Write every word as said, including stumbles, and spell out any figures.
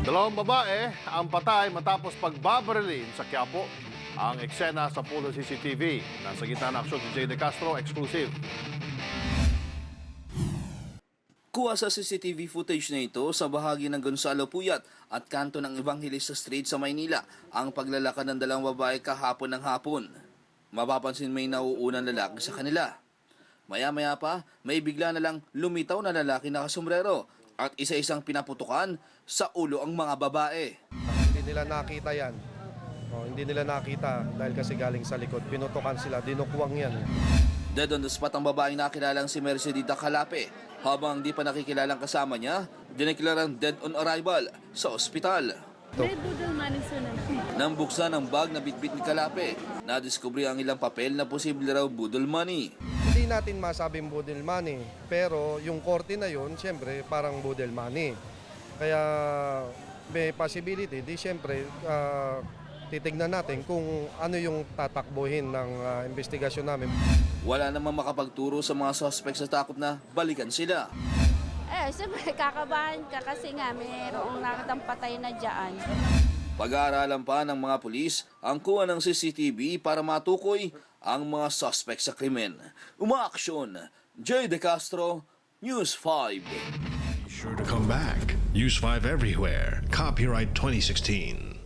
Dalawang babae ang patay matapos pagbabarilin sa Quiapo. Ang eksena sa Polo C C T V. Nasa gitna ng aksyon si Jay De Castro, exclusive. Kuha sa C C T V footage na ito sa bahagi ng Gonzalo Puyat at kanto ng Evangelista Street sa Maynila ang paglalakad ng dalawang babae kahapon ng hapon. Mapapansin may nauunang lalaki sa kanila. Maya-maya pa, may bigla na lang lumitaw na lalaki na kasombrero at isa-isang pinaputukan sa ulo ang mga babae. Hindi nila nakita yan. Oh, hindi nila nakita dahil kasi galing sa likod. Pinutukan sila, dinukwang yan. Dead on the spot ang babaeng nakilalang si Mercedita Calape. Habang di pa nakikilalang kasama niya, dineklarang dead on arrival sa ospital. May budol manisunan. Nang buksan ang bag na bitbit ni Calape, nadiskubre ang ilang papel na posible raw budol money. Hindi natin masabing budel money, pero yung korte na yun, siyempre parang budel money. Kaya may possibility, di siyempre uh, titignan natin kung ano yung tatakbuhin ng uh, investigasyon namin. Wala namang makapagturo sa mga suspect sa takot na balikan sila. Eh, siyempre kakabahan ka kasi nga mayroong nakitang patay na dyan. Pag-aaralan pa ng mga pulis ang kuha ng C C T V para matukoy ang mga suspect sa krimen. Umaaksyon, Jay De Castro, News five. Sure to come back. Use five everywhere. Copyright twenty sixteen.